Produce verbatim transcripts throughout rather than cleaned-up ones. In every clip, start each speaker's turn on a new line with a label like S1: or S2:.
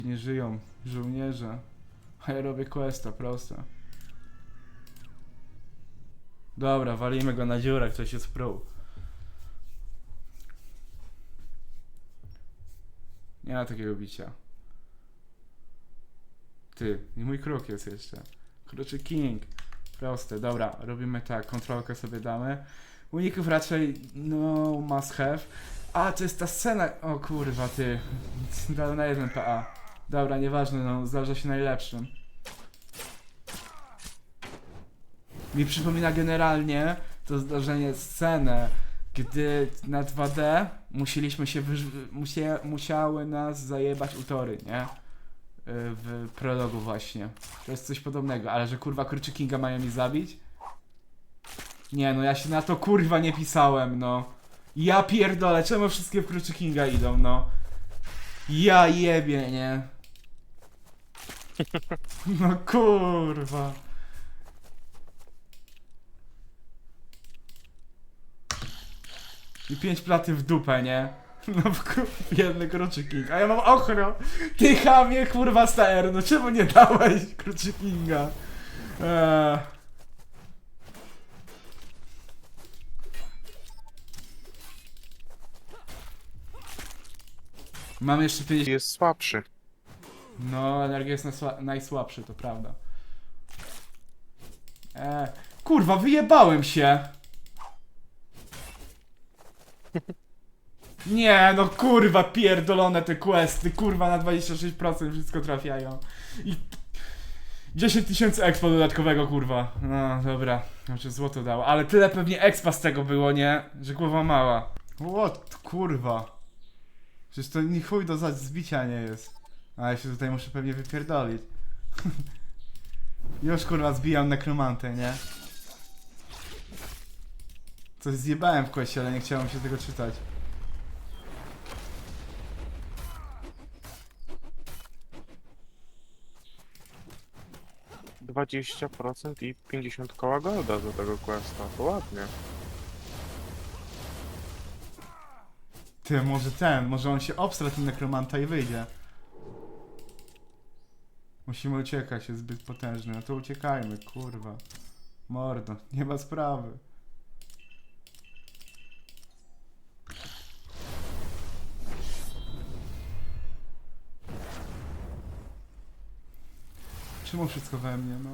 S1: Nie żyją żołnierze. A ja robię questa, proste. Dobra, walimy go na dziurę, ktoś jest pro. Nie ma takiego bicia. Ty, i mój kruk jest jeszcze. Kruczy King. Proste, dobra, robimy tak, kontrolkę sobie damy. Uników raczej, no, must have. A, to jest ta scena, o kurwa, ty. Dał na jeden P A. Dobra, nieważne, no, zdarza się najlepszym. Mi przypomina generalnie to zdarzenie scenę, gdy na dwa D musieliśmy się wyż- musie- musiały nas zajebać utory, nie? W prologu właśnie. To jest coś podobnego, ale że kurwa Kruczy Kinga mają mi zabić? Nie no, ja się na to kurwa nie pisałem, no. Ja pierdolę, czemu wszystkie w Kruczy Kinga idą, no. Ja jebie, nie? No kurwa. I pięć platy w dupę, nie? No w biedny Kruczy King. A ja mam ochro! Ty chamie, kurwa stajer, no czemu nie dałeś Kruczy Kinga? Eee. Mam jeszcze pięćdziesiąt...
S2: Jest słabszy.
S1: No, energia jest najsła... najsłabszy, to prawda. Eee. Kurwa, wyjebałem się! Nie, no kurwa, pierdolone te questy, kurwa na dwadzieścia sześć procent wszystko trafiają. I dziesięć tysięcy expa dodatkowego, kurwa. No, dobra, znaczy złoto dało, ale tyle pewnie expa z tego było, nie? Że głowa mała. What, kurwa. Przecież to ni chuj do za- zbicia nie jest. A ja się tutaj muszę pewnie wypierdolić. Już kurwa zbijam nekromantę, nie? Coś zjebałem w questie, ale nie chciałem się tego czytać.
S2: dwadzieścia procent i pięćdziesiąt koła golda do tego questa. To ładnie.
S1: Ty, może ten, może on się obstra ten nekromanta i wyjdzie. Musimy uciekać, jest zbyt potężny. No to uciekajmy, kurwa. Mordo, nie ma sprawy. Czemu wszystko we mnie, no?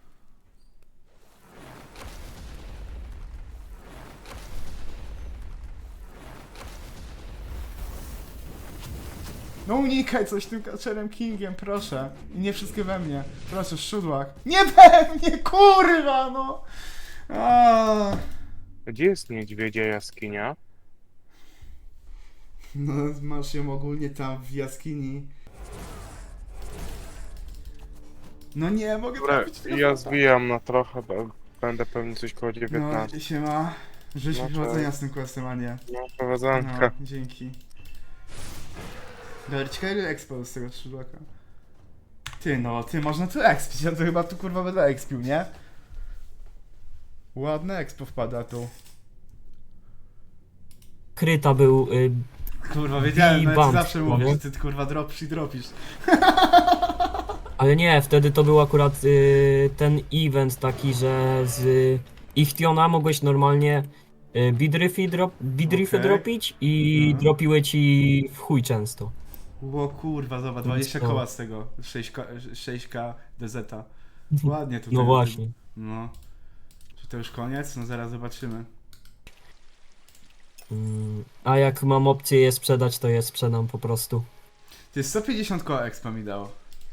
S1: No unikaj coś tym kaczerem Kingiem, proszę. I nie wszystkie we mnie. Proszę, szudłak. Nie we mnie, kurwa, no! Aaaa.
S2: Gdzie jest niedźwiedzia jaskinia?
S1: No, masz ją ogólnie tam w jaskini. No nie, mogę
S2: Dobra,
S1: trafić tego
S2: ja
S1: fota.
S2: zbijam na trochę, bo będę pewnie coś koło
S1: No,
S2: dziewiętnaście.
S1: siema. Życzę
S2: No,
S1: powodzenia
S2: cześć.
S1: z tym questem, a nie.
S2: No,
S1: No,
S2: prowadzanka.
S1: dzięki. Dobra, ciekawe ile expo z tego szydłaka. Ty no, ty, można tu expić, ja to chyba tu kurwa będę expił, nie? Ładne expo wpada tu.
S3: Kryta był. Y,
S1: Kurwa, wiedziałem, no ja ci
S3: Bump,
S1: zawsze
S3: no
S1: mówię,
S3: nie?
S1: że ty kurwa dropisz i dropisz.
S3: ale nie, wtedy to był akurat y, ten event taki, że z y, Ichtiona mogłeś normalnie y, bidryfy, drop, bidryfy
S1: Okej.
S3: dropić i
S1: Mhm.
S3: dropiły ci w chuj często.
S1: Ło kurwa, zobacz, dwadzieścia
S3: No.
S1: koła z tego, sześć K D Z. Ładnie tutaj.
S3: No właśnie.
S1: No. Czy to już koniec? No zaraz zobaczymy.
S3: Mm, a jak mam opcję je sprzedać, to je sprzedam po prostu.
S1: Ty sto pięćdziesiąt koła expa mi dało.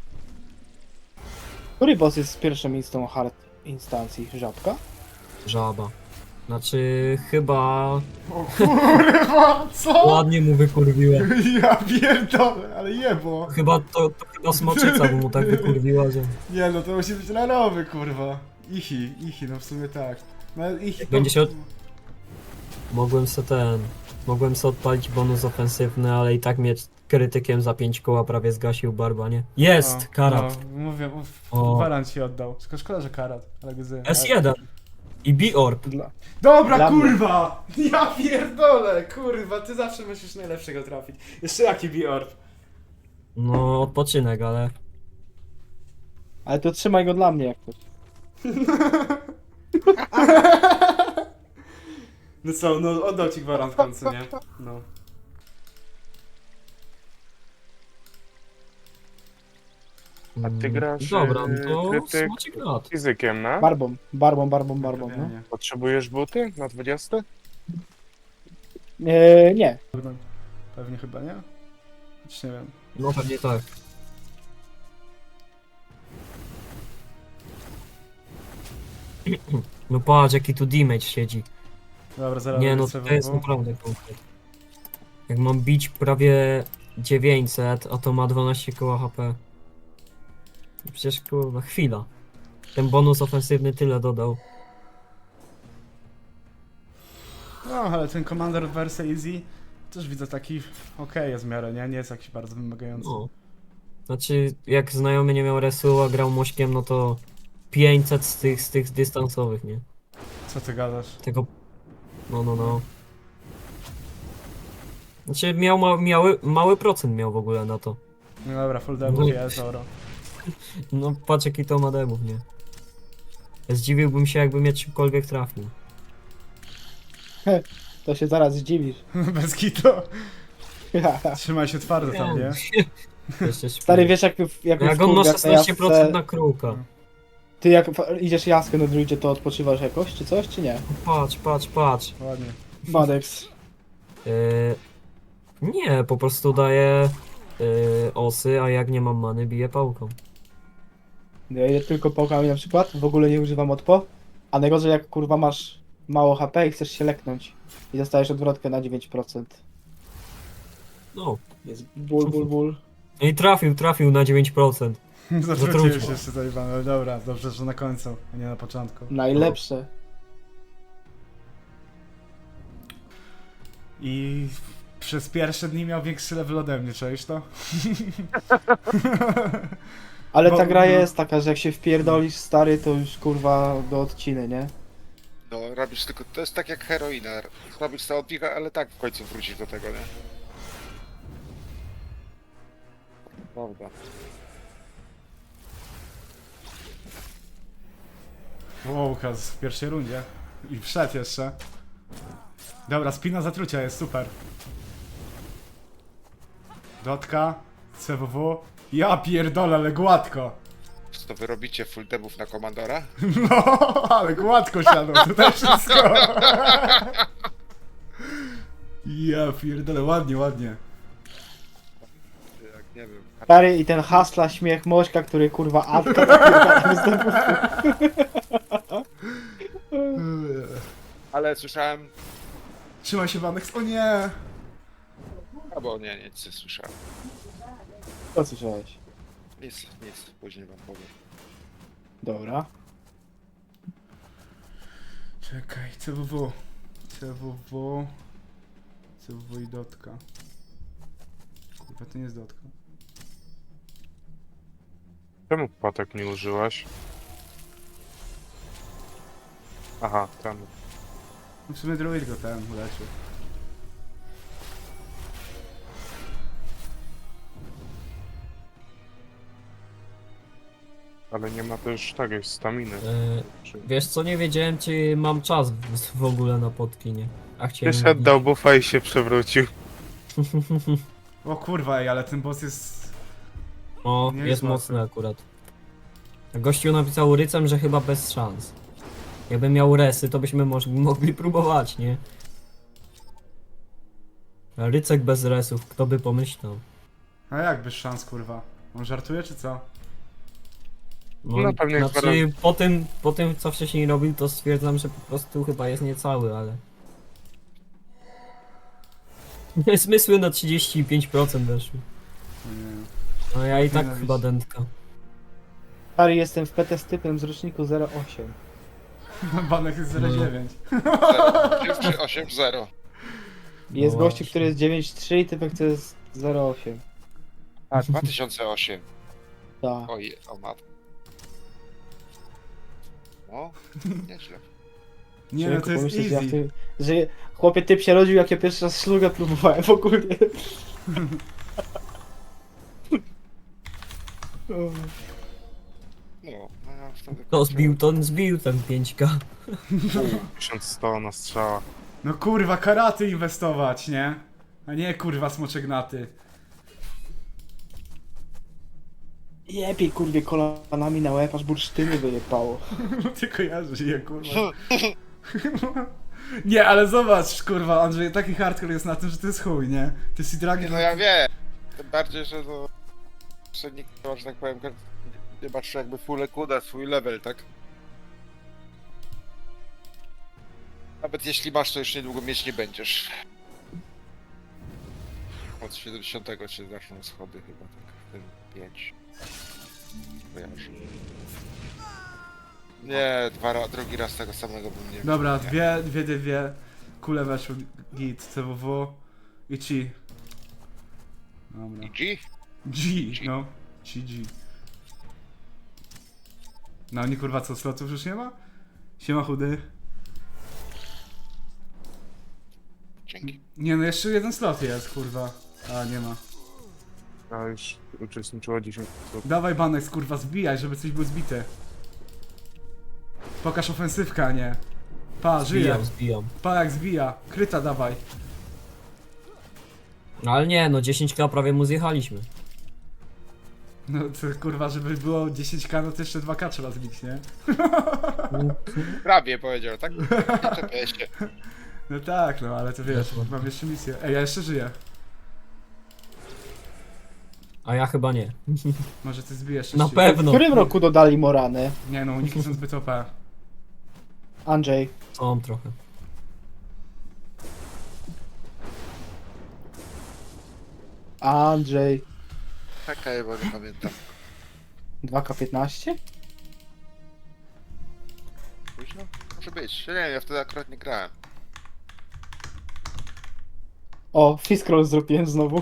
S4: Który boss jest z pierwszą instą hard instancji? Żabka?
S3: Żaba. Znaczy chyba
S1: O kurwa, co?
S3: ładnie mu wykurwiła.
S1: Ja pierdolę, ale jebło.
S3: Chyba to, to chyba smoczyca mu tak wykurwiła, że
S1: Nie no, to musi być larowy, kurwa. Ichi, ichi, no w sumie tak. No ichi to...
S3: Będzie się od- mogłem se ten. Mogłem se odpalić bonus ofensywny, ale i tak mnie krytykiem za pięć koła prawie zgasił barba, nie? Jest!
S1: No,
S3: Karat.
S1: No, mówię, uff,
S3: O.
S1: Warant ci oddał. Tylko szkoda, że karat, ale gzy.
S3: S jeden. I B-Orb.
S4: Dla...
S1: Dobra,
S4: Dla mnie.
S1: kurwa! Ja pierdolę, kurwa, ty zawsze musisz najlepszego trafić. Jeszcze jaki B-Orb?
S3: No, odpoczynek, ale...
S4: Ale to trzymaj go dla mnie jak coś.
S1: No co, no oddał ci gwarant w końcu, nie? No.
S2: A ty
S3: Mm,
S2: grasz,
S3: Dobra,
S2: e,
S3: no to
S2: krytyk?
S3: smaczek lat.
S2: Fizykiem, no?
S4: Barbą, barbą, barbą, barbą, no.
S1: Nie,
S2: Potrzebujesz buty na dwudziesty?
S4: Eee, nie.
S1: pewnie chyba nie? Choć nie wiem.
S3: No pewnie tak. No patrz, jaki tu damage siedzi.
S1: Dobra, zaraz
S3: Nie no,
S1: lecę
S3: to jest
S1: w-
S3: naprawdę konkret. Jak mam bić prawie dziewięćset, a to ma dwanaście koła H P. Przecież kurwa, chwila. Ten bonus ofensywny tyle dodał.
S1: No, ale ten Commander wersja Easy też widzę taki okej jest w miarę, nie? Nie jest jakiś bardzo wymagający.
S3: No. Znaczy, jak znajomy nie miał resu, a grał mośkiem, no to pięćset z tych, z tych dystansowych, nie?
S1: Co ty gadasz?
S3: Tego... No, no, no. Znaczy, miał ma, miały, mały procent miał w ogóle na to.
S1: No dobra, full debuff
S3: No.
S1: jest, oro.
S3: No, patrz jaki to ma demów, nie? Zdziwiłbym się, jakby mnie czymkolwiek trafił.
S4: To się zaraz zdziwisz.
S1: Bez kitu. Trzymaj się twardo tam, nie?
S3: Jeszcze śpię.
S4: Stary, wiesz jak, jak,
S3: Jak on ma
S4: wkurwia, to
S3: szesnaście procent
S4: jasce-
S3: na kruka.
S4: Ty jak f- idziesz jaskę na druidzie, to odpoczywasz jakoś, czy coś, czy nie?
S3: Patrz, patrz, patrz.
S1: Ładnie.
S4: Badex.
S3: Yy, nie, po prostu daję yy, osy, a jak nie mam many, biję pałką.
S4: Ja idę tylko pałkami na przykład, w ogóle nie używam odpo. A najgorzej jak kurwa masz mało H P i chcesz się leknąć. I dostajesz odwrotkę na dziewięć procent.
S3: No.
S4: Jest ból, ból, ból.
S3: No i trafił, trafił na dziewięć procent.
S1: Zatruciłem
S3: Zatrucił.
S1: się jeszcze zajebane, ale dobra, dobrze, że na końcu, a nie na początku.
S4: Najlepsze.
S1: I przez pierwsze dni miał większy level ode mnie, czaisz to?
S4: Ale
S1: Bo-
S4: ta gra
S1: no.
S4: jest taka, że jak się wpierdolisz stary, to już kurwa do odciny, nie?
S5: No, robisz tylko, to jest tak jak heroina. Robisz sobie odbiega, ale tak w końcu wrócisz do tego, nie? Prawda.
S1: Wow, Łukasz w pierwszej rundzie. I wszedł jeszcze. Dobra, spina zatrucia jest super. Dotka, C W W. Ja pierdolę, ale gładko.
S5: Co to wy robicie full debów na komandora?
S1: No, ale gładko siadło, tutaj wszystko. Ja pierdolę, ładnie, ładnie.
S5: Jak nie wiem.
S4: Stary i ten hasla śmiech Mośka, który kurwa Atka napierdala z debufu.
S5: Ale słyszałem...
S1: Trzymaj się, Wanex, o nie.
S5: Albo nie, nic nie słyszałem.
S4: Co słyszałeś?
S5: Nic, nic, później wam powiem.
S4: Dobra.
S1: Czekaj, C W W. C W W. C W W i dotka. Kurwa, to nie jest dotka.
S2: Czemu płatek nie użyłaś? Aha, ten.
S1: No w sumie druid go ten uleczył.
S2: Ale nie ma też takiej staminy.
S3: Yy,
S2: Czy...
S3: wiesz co, nie wiedziałem czy mam czas w, w ogóle na potki, nie? A chciałem...
S2: Wyszedł, dał buffa i się przewrócił.
S1: O kurwa, ej, ale ten boss jest...
S3: O,
S1: Nie
S3: jest,
S1: jest
S3: mocny
S1: łatwy.
S3: akurat. Gościu napisał rycem, że chyba bez szans. Jakby miał resy, to byśmy moż- mogli próbować, nie? A Rycek bez resów, kto by pomyślał?
S1: A jak bez szans, kurwa? On żartuje, czy co?
S2: No, pewnie
S3: znaczy,
S2: zaraz-
S3: po tym, po tym co wcześniej robił, to stwierdzam, że po prostu chyba jest niecały, ale... Zmysły na trzydzieści pięć procent weszły.
S1: Nie.
S3: No ja i tak
S1: Nienawiść.
S3: chyba dętka.
S4: Stary, jestem w P T z typem z roczniku zero osiem.
S1: Banek jest zero dziewięć.
S5: zero, osiem, zero.
S4: Jest
S3: No
S4: gościu,
S3: właśnie.
S4: który jest dziewięć trzy i typek, który jest zero osiem.
S5: A, dwa tysiące osiem.
S4: Tak.
S5: Oj, o mat. No, nieźle.
S1: Nie no, to jest
S4: Pomyśleć, że ja w
S1: easy.
S4: tym- że chłopie typ się rodził, jak ja pierwszy raz szlugę próbowałem w ogóle.
S5: No, no ja wtedy...
S3: To zbił, to zbił ten pięć K.
S2: tysiąc sto na strzała.
S1: No kurwa, karaty inwestować, nie? A nie kurwa smoczegnaty.
S4: Jebie kurwie kolanami na łeb, aż bursztyny wyjebało.
S1: No ty kojarzysz je kurwa. Nie, ale zobacz kurwa, Andrzej, taki hardcore jest na tym, że to jest chuj, nie? Ty si dragi...
S5: No ja wiem. Tym bardziej, że no... Że nikt, że tak powiem, nie masz jakby full kuda, swój level, tak? Nawet jeśli masz, to już niedługo mieć nie będziesz. Od siedemdziesiątego się zaczną schody chyba, tak? W tym pięć. Kojarzę. Nie, dwa, ra- drugi raz tego samego bym nie...
S1: Dobra,
S5: nie.
S1: dwie, dwie, dwie, dwie. Kule weszły, git, C W W i Chi. Dobra.
S5: I G?
S1: G, no. Chi G. No oni kurwa co, slotów już nie ma? Siema chudy.
S5: Dzięki.
S1: Nie no, jeszcze jeden slot jest, kurwa. A, nie ma.
S2: A już uczestniczyło dziesięć osób.
S1: Dawaj Banex, kurwa, zbijaj, żeby coś było zbite. Pokaż ofensywkę, a nie. Pa, żyje.
S3: Zbijam, zbijam.
S1: Pa, jak zbija. Kryta dawaj.
S3: No ale nie, no dziesięć K prawie mu zjechaliśmy.
S1: No to kurwa, żeby było dziesięć K, no to jeszcze dwa K trzeba zbić, nie?
S5: Prawie powiedział, tak? Nie czepiaj się.
S1: No tak, no ale to wiesz, mam jeszcze misję. Ej, ja jeszcze żyję.
S3: A ja chyba nie.
S1: Może ty zbijesz
S3: Na
S1: jeszcze.
S4: W
S3: pewno.
S4: którym roku dodali Moranę?
S1: Nie no, uniki są zbyt O P.
S4: Andrzej.
S3: Są trochę.
S4: Andrzej.
S5: Czekaj, bo nie pamiętam.
S4: dwa K piętnaście?
S5: Późno? Może być. Ja nie wiem, ja wtedy akurat nie grałem.
S4: O, Fiskroll zrobiłem znowu.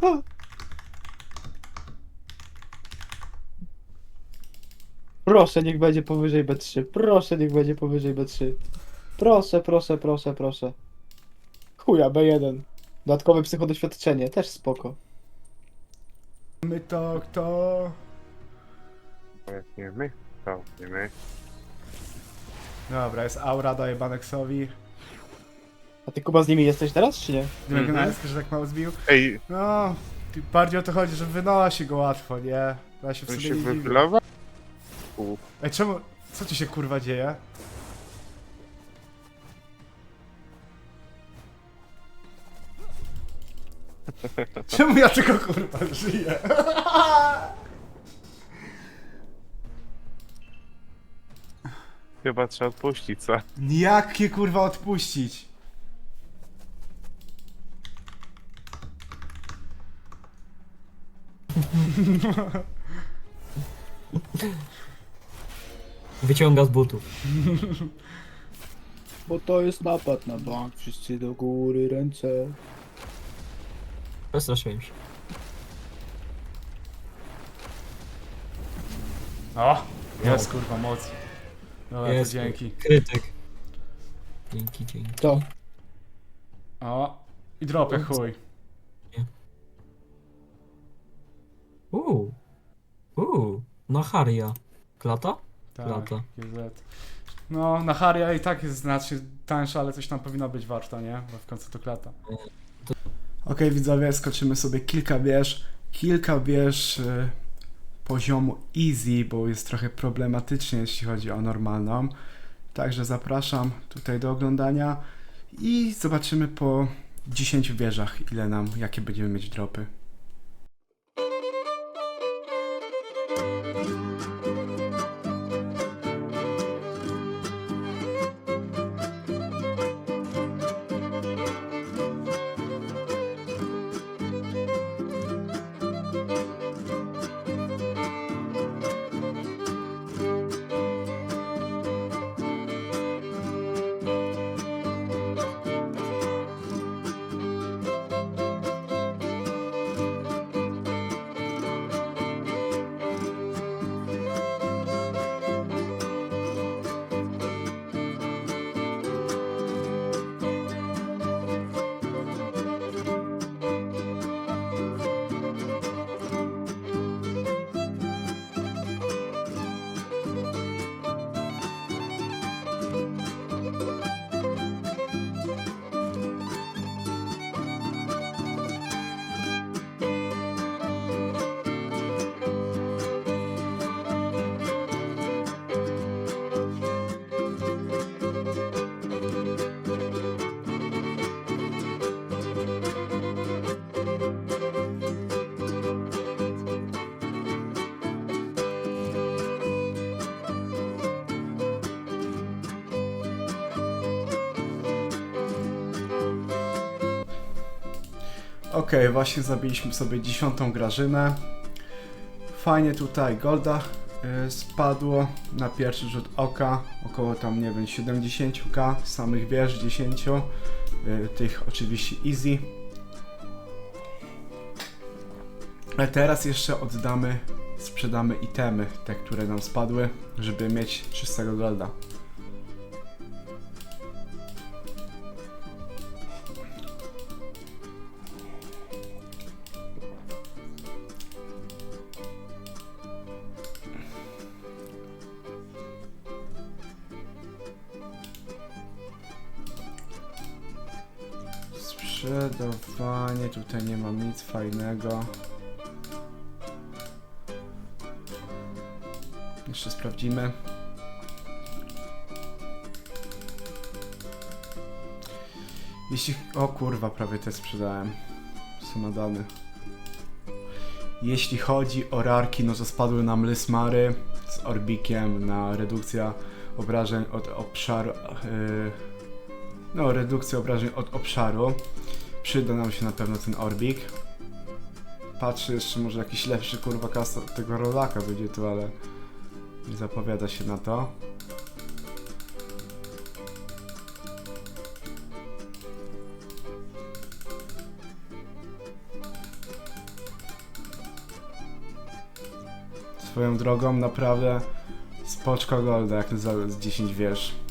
S4: Proszę, niech będzie powyżej B trzy. Proszę, niech będzie powyżej B trzy. Proszę, proszę, proszę, proszę. Chuja, B jeden. Dodatkowe psychodoświadczenie, też spoko.
S1: My to kto?
S2: Bo jak nie my, to nie my.
S1: Dobra, jest aura, daję Banexowi.
S4: A ty Kuba z nimi jesteś teraz, czy nie?
S1: Dymek
S2: Mhm.
S1: mm że tak mało zbił.
S2: Ej,
S1: No, ty- bardziej o to chodzi, że wynosi go łatwo, nie? Ja się w
S2: on
S1: sobie
S2: się
S1: nie dziwię.
S2: wychylował? U,
S1: Ej, czemu, co ci się kurwa dzieje? Czemu ja tylko kurwa żyję?
S2: chyba trzeba odpuścić, co?
S1: Jakie kurwa odpuścić?
S3: Wyciąga z butów.
S4: Bo to jest napad na bank, wszyscy do góry ręce.
S3: Przestraszyłem się.
S1: O, jest kurwa moc. Dobra,
S3: Jest.
S1: to dzięki.
S3: Krytyk. Dzięki, dzięki.
S4: To.
S1: O, i dropę chuj.
S3: Uuu. Uuu. Na Haria. Klata?
S1: Tak,
S3: Lata.
S1: G Z. No, na Haria i tak jest znacznie tańsza, ale coś tam powinno być warto, nie? Bo w końcu to klata. Okej, widzowie, skoczymy sobie kilka wież. Kilka wież y, poziomu easy, bo jest trochę problematycznie, jeśli chodzi o normalną. Także zapraszam tutaj do oglądania i zobaczymy po dziesięciu wieżach, ile nam, jakie będziemy mieć dropy. Okej, właśnie zabiliśmy sobie dziesiątą Grażynę. Fajnie tutaj golda y, spadło na pierwszy rzut oka. Około tam, nie wiem, siedemdziesiąt ka samych wież, dziesięć. Y, tych oczywiście easy. A teraz jeszcze oddamy, sprzedamy itemy, te, które nam spadły, żeby mieć czystego golda. Sprzedawanie, tutaj nie mam nic fajnego. Jeszcze sprawdzimy. Jeśli... O kurwa, prawie te sprzedałem. Są nadane. Jeśli chodzi o rarki, no to spadły nam Lysmary z Orbikiem na redukcja obrażeń od obszaru. Yy, no, redukcja obrażeń od obszaru. Przyda nam się na pewno ten Orbik. Patrzę jeszcze, może jakiś lepszy kurwa kasa tego rolaka będzie tu, ale nie zapowiada się na to. Swoją drogą naprawdę spoczko golda jak za z dziesięć wież.